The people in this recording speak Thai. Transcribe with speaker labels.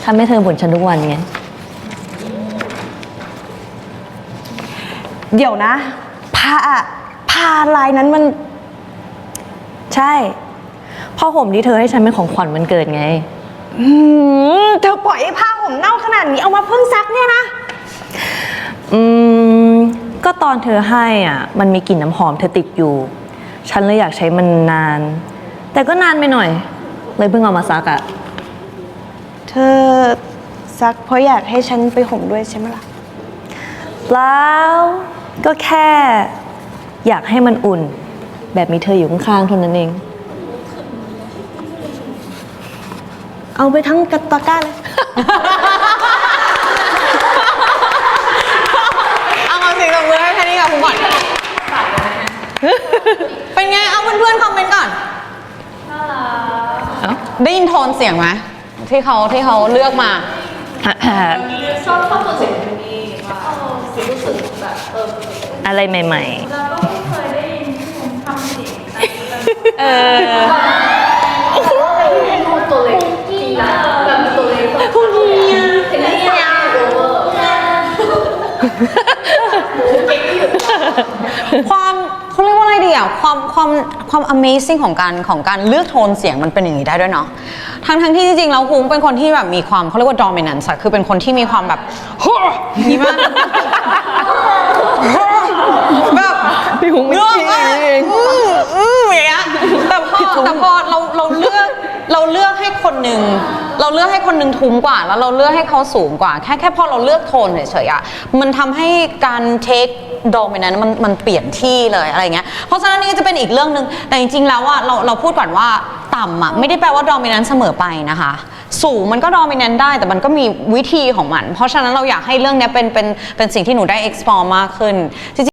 Speaker 1: ทำให้เธอบ่นฉันทุกวันไง
Speaker 2: เดี๋ยวนะพาลายนั้นมัน
Speaker 1: ใช่ผ้าห่มที่เธอให้ฉันเป็นของขวัญวันเกิดไง
Speaker 2: เธอปล่อยให้ผ้าห่มเน่าขนาดนี้เอามาเพิ่งซักเนี่ยนะ
Speaker 1: ก็ตอนเธอให้อ่ะมันมีกลิ่นน้ำหอมเธอติดอยู่ฉันเลยอยากใช้มันนานแต่ก็นานไปหน่อยเลยเพิ่งเอามาซักอ่ะ
Speaker 2: เธอซักเพราะอยากให้ฉันไปห่มด้วยใช่ไหมล่ะ
Speaker 1: เปล่าก็แค่อยากให้มันอุ่นแบบมีเธออยู่ข้างๆเท่านั้นเอง
Speaker 2: เอาไปทั้งกระตะกร้าเลย
Speaker 3: เอาสิ่งตบมือให้แค่นี้กับคุณก่อนเป็นไงเอาเพื่อนๆคอมเมนต์ก่อนได้ยินโทนเสียงไหมที่เขาเลือกมา
Speaker 4: ชอบตัวเสียงเพลงนี้ว่ารู้สึกแบบ
Speaker 1: อะไรใหม่
Speaker 4: ๆเราก็ไม่เคยได้ยินที่ผมทำเสียงเป็นตัวเล็กจริงนะแบบตัวเล็กพวกนี้เห็นไหมเนี่ย
Speaker 3: ความเขาเรียกว่าอะไรดีอ่ะความ amazing ของการเลือกโทนเสียงมันเป็นอย่างนี้ได้ด้วยเนาะทั้งที่จริงๆแล้วคุ้งเป็นคนที่แบบมีความเขาเรียกว่า dominance คือเป็นคนที่มีความแบบนี่มากแบบ
Speaker 1: พี่คุ้งไม่จริงเอง
Speaker 3: อย่างเงี้ยแต่พอเราเลือกให้คนหนึ่งทุ้มกว่าแล้วเราเลือกให้เขาสูงกว่าแค่พอเราเลือกโทนเฉยๆอ่ะมันทำให้การ take dominant มันเปลี่ยนที่เลยอะไรเงี้ยเพราะฉะนั้นนี่ก็จะเป็นอีกเรื่องนึงแต่จริงๆแล้วอ่ะเราพูดก่อนว่าต่ำอ่ะไม่ได้แปลว่า dominant เสมอไปนะคะสูงมันก็ dominant ได้แต่มันก็มีวิธีของมันเพราะฉะนั้นเราอยากให้เรื่องนี้เป็นสิ่งที่หนูได้ explore มากขึ้น